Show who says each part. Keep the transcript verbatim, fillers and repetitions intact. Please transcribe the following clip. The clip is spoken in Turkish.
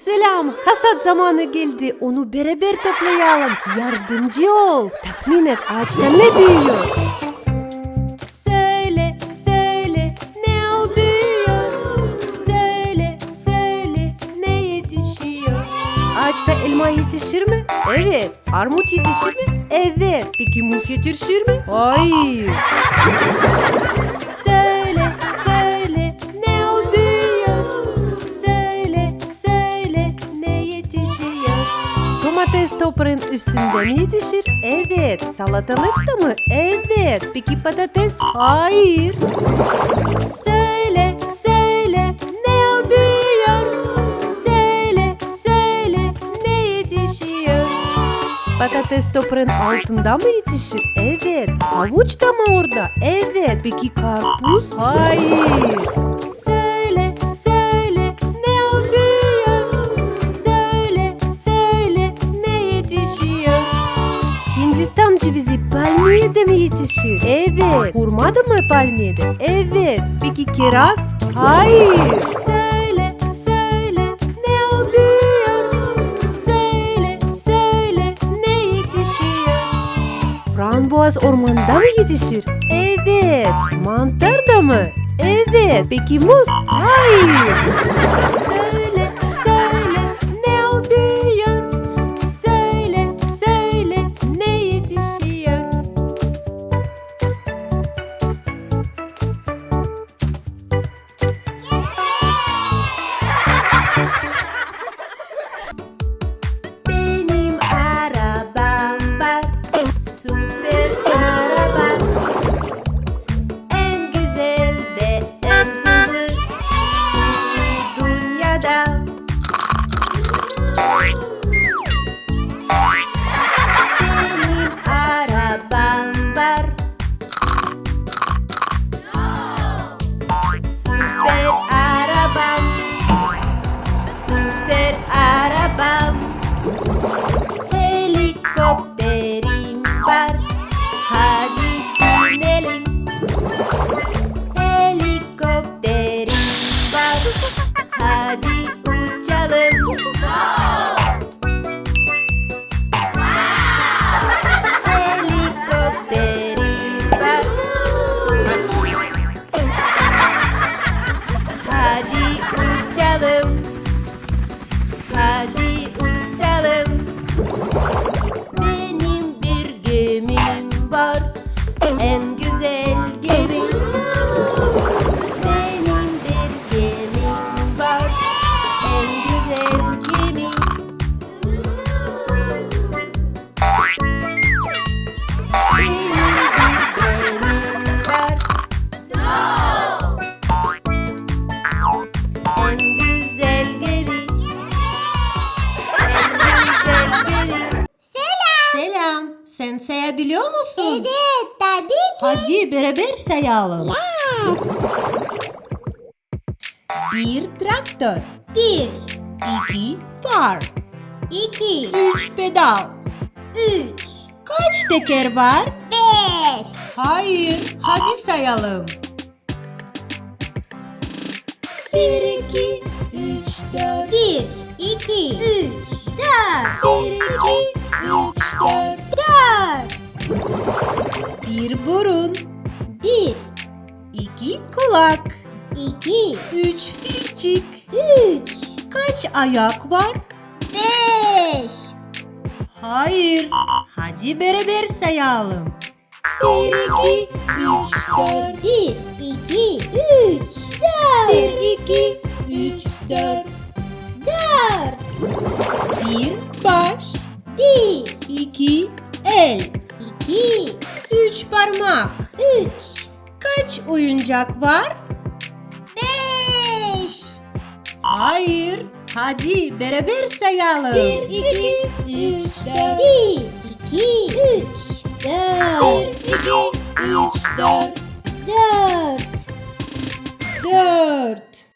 Speaker 1: Selam, hasat zamanı geldi. Onu beraber toplayalım. Yardımcı ol. Tahmin et, ağaçta ne büyüyor? Söyle, söyle, ne o büyüyor? Söyle, söyle, ne yetişiyor? Ağaçta elma yetişir mi? Evet. Armut yetişir mi? Evet. Peki muz yetişir mi? Hayır. Söyle, söyle, ne o büyüyor? Söyle, söyle, ne yetişiyor? Domates toprağın üstünde mi yetişir? Evet. Salatalık da mı? Evet. Peki patates? Hayır. Söyle, söyle, ne o büyüyor? Söyle, söyle, ne yetişiyor? Patates toprağın altında mı yetişir? Evet. Havuç da mı orada? Evet. Peki karpuz? Hayır. Söyle, söyle, ne o büyüyor? Söyle, söyle, ne yetişiyor? Hindistan cevizi palmiyede mi yetişir? Evet. Hurma da mı palmiyede? Evet. Peki kiraz? Hayır. Söyle, söyle, ne o büyüyor? Söyle, söyle, ne yetişiyor? Frambuaz ormanda mı yetişir? Evet. Mantar da mı? Evet. Peki muz? Hayır. Söyle, söyle, ne o büyüyor? Söyle, söyle, ne yetişiyor? Benim arabam var, süper araba. En güzel ve en hızlı dünyada. Benim arabam var, süper arabam, süper arabam. Helikopterim var, hadi binelim. Helikopterim var, hadi uçalım. Helikopterim var, hadi uçalım. Hadi uçalım. Benim bir gemim var, en güzel gemi. Benim bir gemim var, en güzel gemi. Benim bir gemim var, en güzel gemi. En güzel gemi.
Speaker 2: Selam.
Speaker 1: Selam. Sen sayabiliyor musun?
Speaker 2: Evet, tabii ki.
Speaker 1: Hadi beraber sayalım.
Speaker 2: Yes.
Speaker 1: Bir traktör.
Speaker 2: Bir,
Speaker 1: İki far.
Speaker 2: iki,
Speaker 1: Üç pedal.
Speaker 2: üç,
Speaker 1: Kaç teker var?
Speaker 2: beş,
Speaker 1: Hayır. Hadi sayalım. Bir, iki, üç, dört.
Speaker 2: bir, iki, üç, dört,
Speaker 1: Bir, iki, üç, dört.
Speaker 2: dört,
Speaker 1: Bir burun.
Speaker 2: bir,
Speaker 1: İki kulak.
Speaker 2: iki,
Speaker 1: Üç dilcik.
Speaker 2: üç,
Speaker 1: Kaç ayak var?
Speaker 2: beş,
Speaker 1: Hayır. Hadi beraber sayalım. Bir, iki, üç, dört.
Speaker 2: bir, iki, üç, dört,
Speaker 1: Bir, iki, üç, dört.
Speaker 2: dört,
Speaker 1: Bir baş.
Speaker 2: bir,
Speaker 1: İki el.
Speaker 2: iki,
Speaker 1: Üç parmak.
Speaker 2: üç,
Speaker 1: Kaç oyuncak var?
Speaker 2: beş,
Speaker 1: Hayır. Hadi beraber sayalım. Bir, iki, üç, dört.
Speaker 2: bir, iki, üç, dört,
Speaker 1: Bir, iki, üç, dört.
Speaker 2: dört.
Speaker 1: Dört.